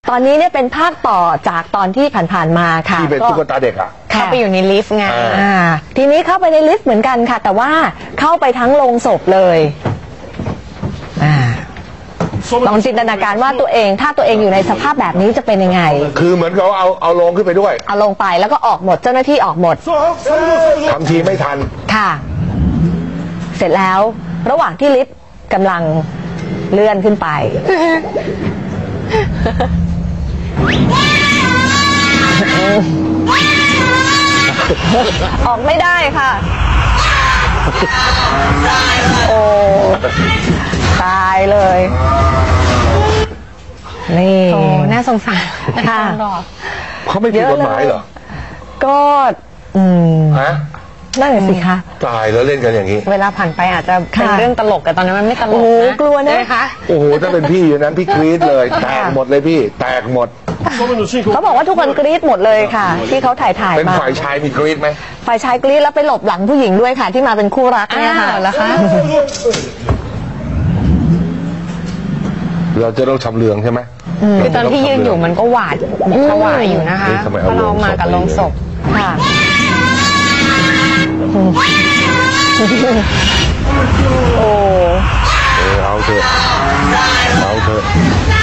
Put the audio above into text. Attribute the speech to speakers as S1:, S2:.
S1: ตอนนี้เนี่ยเป็นภาคต่อจากตอนที่ผ่านๆมาค่ะ
S2: ที่เป็นตุ๊กตาเด็ก
S3: เข้าไปอยู่ในลิฟต์ไง
S1: ทีนี้เข้าไปในลิฟต์เหมือนกันค่ะแต่ว่าเข้าไปทั้งโรงศพเลยลองจินตนาการว่าตัวเองถ้าตัวเองอยู่ในสภาพแบบนี้จะเป็นยังไง
S2: คือเหมือนเขาเอาลงขึ้นไปด้วย
S1: เอาลงไปแล้วก็ออกหมดเจ้าหน้าที่ออกหมด
S2: ทำทีไม่ทัน
S1: ค่ะเสร็จแล้วระหว่างที่ลิฟต์กำลังเลื่อนขึ้นไปออกไม่ได้ค่ะโอ้ตายเลยนี่
S3: โอ้น่าสงสาร
S1: ค่ะ
S2: เขาไม่ผิดกฎหมายเหรอ
S1: ก็
S2: ฮะ
S1: นั่นสิคะ
S2: ตายแล้วเล่นกันอย่างนี้
S3: เวลาผ่านไปอาจจะเป็นเรื่องตลกแต่ตอนนั้นมันไม่ตลกนะ
S1: กลัวนะคะ
S3: โอ้
S2: โหถ้าเป็นพี่อยู่นั้นพี่กรี๊ดเลยแตกหมดเลยพี่แตกหมด
S1: เขาบอกว่าทุกคนกรี๊ดหมดเลยค่ะที่เขาถ่าย
S2: เป็นฝ่ายชายมีกรี๊ดไหม
S1: ฝ่ายชายกรี๊ดแล้วไปหลบหลังผู้หญิงด้วยค่ะที่มาเป็นคู่รักเนี่ยค่ะ
S3: แล้วคะ
S2: เราจะต้องชำเลืองใช่ไหม
S3: คือตอนที่ยืนอยู่มันก็หวาดผวาอยู่นะคะเพราะเรามากับโรงศพ
S1: ค่ะโอ้
S2: เอาเถอะ